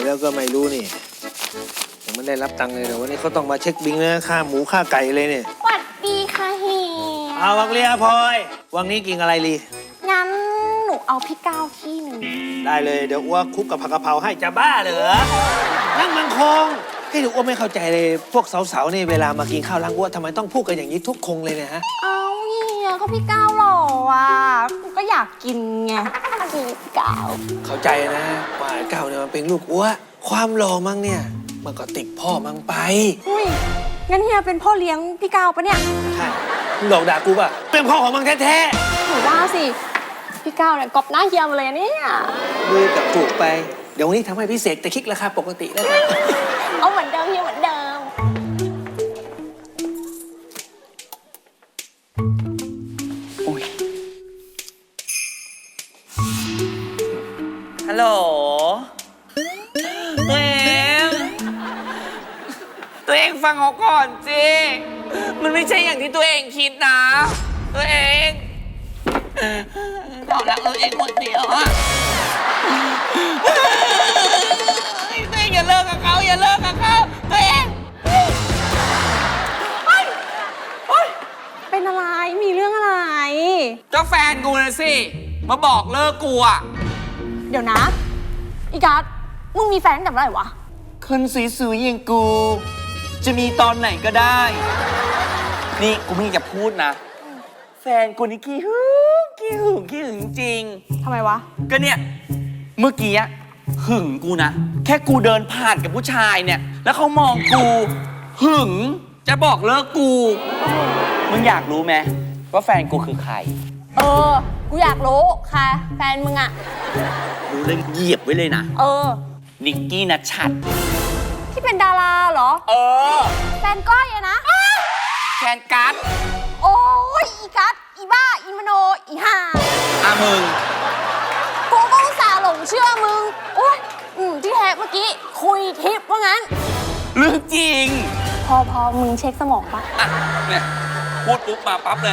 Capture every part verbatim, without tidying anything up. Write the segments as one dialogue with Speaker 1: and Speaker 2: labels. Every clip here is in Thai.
Speaker 1: แล้วก็ไม่รู้นี่ยังไม่ได้รับตังค์เลยเดี๋ยววันนี้เขาต้องมาเช็คบิลนะค่าหมูค่าไก่เลยเนี่ย
Speaker 2: สวัสดีค่ะเฮีย
Speaker 1: เอาวังเลียพลอยวังนี้กินอะไรลี
Speaker 2: งั้นหนูเอาพี่ก้าวที่หนึ่ง
Speaker 1: ได้เลยเดี๋ยวอ้วกคลุกกับผักกะเพราให้จะบ้าเหรอนั่งมังคงให้หนูอ้วไม่เข้าใจเลยพวกสาวๆนี่เวลามากินข้าวล้างอ้วทำไมต้องพูดกันอย่างนี้ทุกคงเลยเนี่ยฮะ
Speaker 2: เอาเฮียก็พี่ก้าวหล่ออ่ะหนูก็อยากกินไงพี่ก้าว
Speaker 1: เข้าใจนะว่าไอ้เก่าเนี่ยมันเป็นลูกอ้วความหล่อมั้งเนี่ยมันก็ติดพ่อมั้งไป
Speaker 2: อุ้ยงั้นเฮียเป็นพ่อเลี้ยงพี่ก้าวปะเนี่ย
Speaker 1: ใช่มึงหลอกด่ากูป่ะเป็นพ่อของมึงแท้
Speaker 2: หนูว่าสิพี่ก้าวเนี่ยกอบหน้าเฮียมาเลยเนี่ย
Speaker 1: ๆมือกับถูกไปเดี๋ยววันนี้ทำให้พิเศษแต่คิดราคาปกติแล้วกัน
Speaker 2: เอาเหมือนเดิมเฮียเหมือนเดิม
Speaker 3: ฮัลโหลตัวเองตัวเองฟังเขาก่อนสิมันไม่ใช่อย่างที่ตัวเองคิดนะตัวเองบอกรักตัวเองคนเดียวอะตัวเองอย่าเลิกกับเขาอย่าเลิกกับเขาตัวเอง
Speaker 2: เป็นอะไรมีเรื่องอะไร
Speaker 3: ก็แฟนกูนะสิมาบอกเลิกกูอะ
Speaker 2: เดี๋ยวนะอีกัสมึงมีแฟนตั้งแต่เมื่อไหร่วะ
Speaker 3: คนสวยๆอย่างกู จะมีตอนไหนก็ได้ นี่กูไม่อยากจะพูดนะ แฟนกูนี่ขี้หึงขี้หึงขี้หึงจริง
Speaker 2: ทำไมวะ
Speaker 3: ก็เนี่ย เมื่อกี้อะหึงกูนะ แค่กูเดินผ่านกับผู้ชายเนี่ย แล้วเขามองกู หึง จะบอกเลิกกู มึงอยากรู้ไหมว่าแฟนกูคือใคร
Speaker 2: เออ กูอยากรู้ค่ะ แฟนมึงอะ
Speaker 3: รู้เรื่องเหยียบไว้เลยนะ
Speaker 2: เออ
Speaker 3: นิกกี้นัชชัด
Speaker 2: ที่เป็นดาราเหรอ
Speaker 3: เออ
Speaker 2: แฟนก้อยอะนะ
Speaker 3: แฟนกัส
Speaker 2: โอ้ยอีกัสอีบ้า อีมโน อีห่า
Speaker 3: อามึง
Speaker 2: กูก็อุตส่าห์หลงเชื่อมึง โอ้ยอืมที่แท้เมื่อกี้ คุยทิปว่างั้น
Speaker 3: เรื่องจริง
Speaker 2: พอพอมึงเช็คสมองปะ
Speaker 3: อ่ะเนี่ยพูดปุ๊บมาปั๊บเลย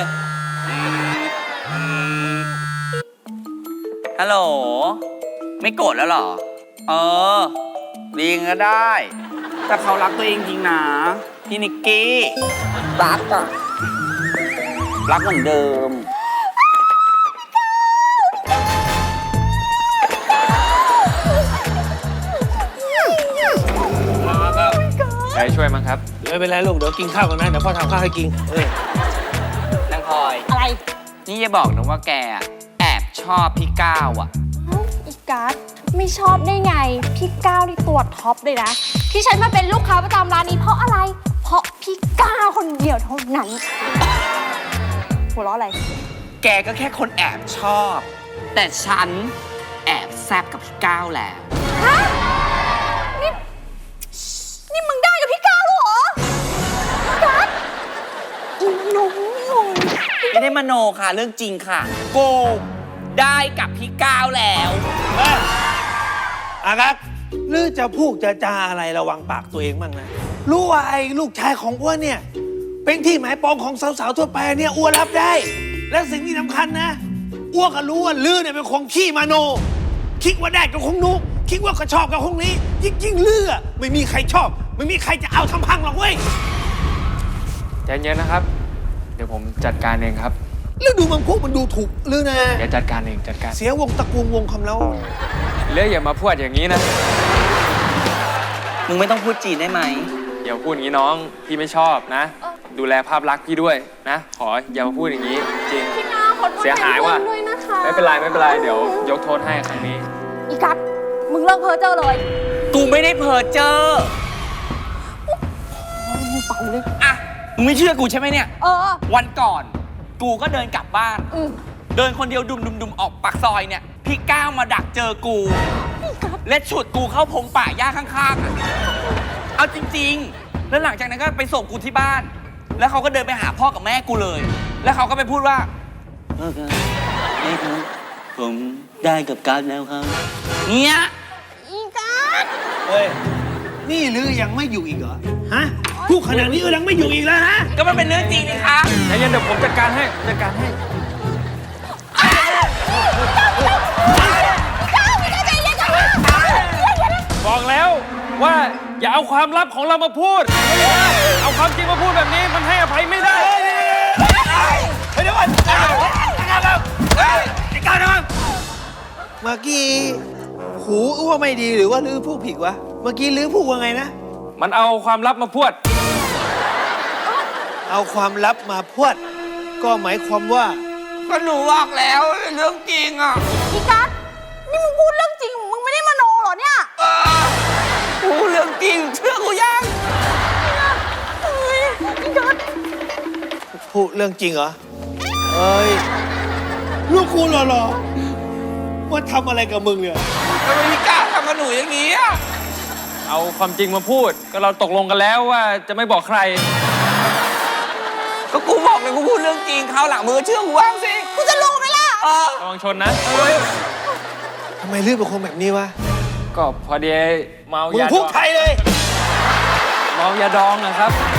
Speaker 3: ฮัลโหลไม่โกรธแล้วเหรอ เออดีก็ได้ แต่เขารักตัวเองจริงนะพี่นิกกี้รักอะรักเหมือนเดิม
Speaker 4: ใครช่วยมั้งครับ
Speaker 1: เดี๋ยวไม่เป็นไรลูกเดี๋ยวกินข้าวกันนะเดี๋ยวพ่อทำข้าวให้กินเออน
Speaker 3: างพลอย
Speaker 2: อะไร
Speaker 3: นี่อย่าบอกนะว่าแกแอบชอบพี่ก้าวอะ
Speaker 2: เอ้าอีกัสไม่ชอบได้ไง พี่ก้าวนี่ตัวท็อปเลยนะ ที่ฉันมาเป็นลูกค้าประจำร้านนี้เพราะอะไร เพราะพี่ก้าวคนเดียวเท่านั้น หัวเราะอะไร
Speaker 3: แกก็แค่คนแอบชอบ แต่ฉันแอบแซบกับพี่ก้าวแล้ว
Speaker 2: ฮะ นี่ นี่มึงได้กับพี่ก้าวเหรอพี่กัสอีหนุ่มหนุ่ม
Speaker 3: ไม่ได้มโนค่ะเรื่องจริงค่ะโกได้กับพี่ก้าวแล้ว
Speaker 1: เอ้ยอากัสหรือจะพูดจะจาอะไรระวังปากตัวเองบ้างนะรู้ว่าไอ้ลูกชายของอ้วนเนี่ยเป็นที่หมายปองของสาวๆทั่วไปเนี่ยอ้วนรับได้ และสิ่งที่สำคัญนะอ้วนก็รู้ว่าลือเนี่ยเป็นคนขี้มาโน คิดว่าได้ก็คงนู้คิดว่าก็ชอบก็คงนี้ยิ่งยิ่งเลือไม่มีใครชอบ ไม่มีใครจะเอาทำพังหรอกเว้ย
Speaker 4: ใจเย็นนะครับ เดี๋ยวผมจัดการเองครับ
Speaker 1: แล้วดูมันพวกมันดูถูกหรือนะ
Speaker 4: เดี๋ยวจัดการเองจัดการ
Speaker 1: เสียวงตระกูลวงคำแล้ว
Speaker 4: เลืออย่ามาพูดอย่างนี้นะ
Speaker 3: มึงไม่ต้องพูดจีนได้ไหม
Speaker 4: เดี๋ยวพูดอย่างนี้น้องพี่ไม่ชอบนะ ดูแลภาพลักษณ์พี่ด้วยนะ ขออย่ามาพูดอย่างนี้จริง
Speaker 2: พี่ก้าวขอโทษ
Speaker 4: เสียหายว่ะ
Speaker 2: แทนเพื่อนด้วยนะคะ
Speaker 4: ไม่เป็นไรไม่เป็นไรเดี๋ยวยกโทษให้ครั้งนี้
Speaker 2: อีกัสมึงเลิกเพ้อเจ้อเลย
Speaker 3: กูไม่ได้เพ้อเจ้อ
Speaker 2: มึงเป่าเลย
Speaker 3: อ่ะมึงไม่เชื่อกูใช่ไหมเนี่ย
Speaker 2: เออ
Speaker 3: วันก่อน กูก็เดินกลับบ้าน
Speaker 2: อืม
Speaker 3: เดินคนเดียวดุมดุมดุมออกปากซอยเนี่ย พี่ก้าวมาดักเจอกู และฉุดกูเข้าพงป่าหญ้าข้างๆอะเอาจริงๆ แล้วหลังจากนั้นก็ไปส่งกูที่บ้าน แล้วเขาก็เดินไปหาพ่อกับแม่กูเลย แล้วเขาก็ไปพูดว่าพ่อครับแม่ครับผมได้กับการแล้วครับเนี่ย
Speaker 2: อีกัส
Speaker 1: เฮ้ย นี่ลือยังไม่อยู่อีกเหรอ ฮะพูดขนาดนี้เออยังไม่อยู่อีกแล้วฮะ
Speaker 3: ก็มันเป็นเรื่องจริงนี่คะ
Speaker 4: ใจเย็นเดี๋ยวผมจัดการให้จัดการให้
Speaker 2: ก้าวพี่ก้าวใจเย็นก่อนนะ
Speaker 4: บอกแล้วว่าอย่าเอาความลับของเรามาพูด เอาความจริงมาพูดแบบนี้มันให้อภัยไม่ได้
Speaker 1: เฮ้ยเดี๋ยวก่อนเดี๋ยวก่อนไอ้ก้าวครับเฮ้ยไอ้ก้าวนะครับเมื่อกี้หูอ้วไม่ดีหรือว่าลือพูดผิดวะ เมื่อกี้ลือพูดว่าไงนะ
Speaker 4: มันเอาความลับมาพูด
Speaker 1: เอาความลับมาพูดก็หมายความว่า
Speaker 3: ก็หนูบอกแล้วเรื่องจริงอ่ะ
Speaker 2: พี่กัสนี่มึงพูดเรื่องจริง มึงไม่ได้มโนเหรอเนี่ย
Speaker 3: เออกูเรื่องจริงเชื่อกูยัง
Speaker 2: เฮ้ยพี่กัส
Speaker 1: พูดเรื่องจริงเหรอ เอ้ย ลูกกูหล่อๆว่าทำอะไรกับมึงเนี่ย
Speaker 3: ทำไมพี่กล้าทำกับหนูอย่างนี้อ่ะ
Speaker 4: เอาความจริงมาพูด ก็เราตกลงกันแล้วว่าจะไม่บอกใคร
Speaker 3: ก็กูบอกเลยกูพูดเรื่องจริงคราวหลังมือเชื่อกูบ้างสิ
Speaker 2: กูจะรู้ไหมล่ะ
Speaker 3: เออ
Speaker 4: ระวังชนนะ
Speaker 1: ทำไมลือเป็นคนแบบนี้วะ
Speaker 4: ก็พอดีเมา
Speaker 1: มึง
Speaker 4: ยาด
Speaker 1: พูด
Speaker 4: อง
Speaker 1: ไทยเลย
Speaker 4: เมายาดองนะครับ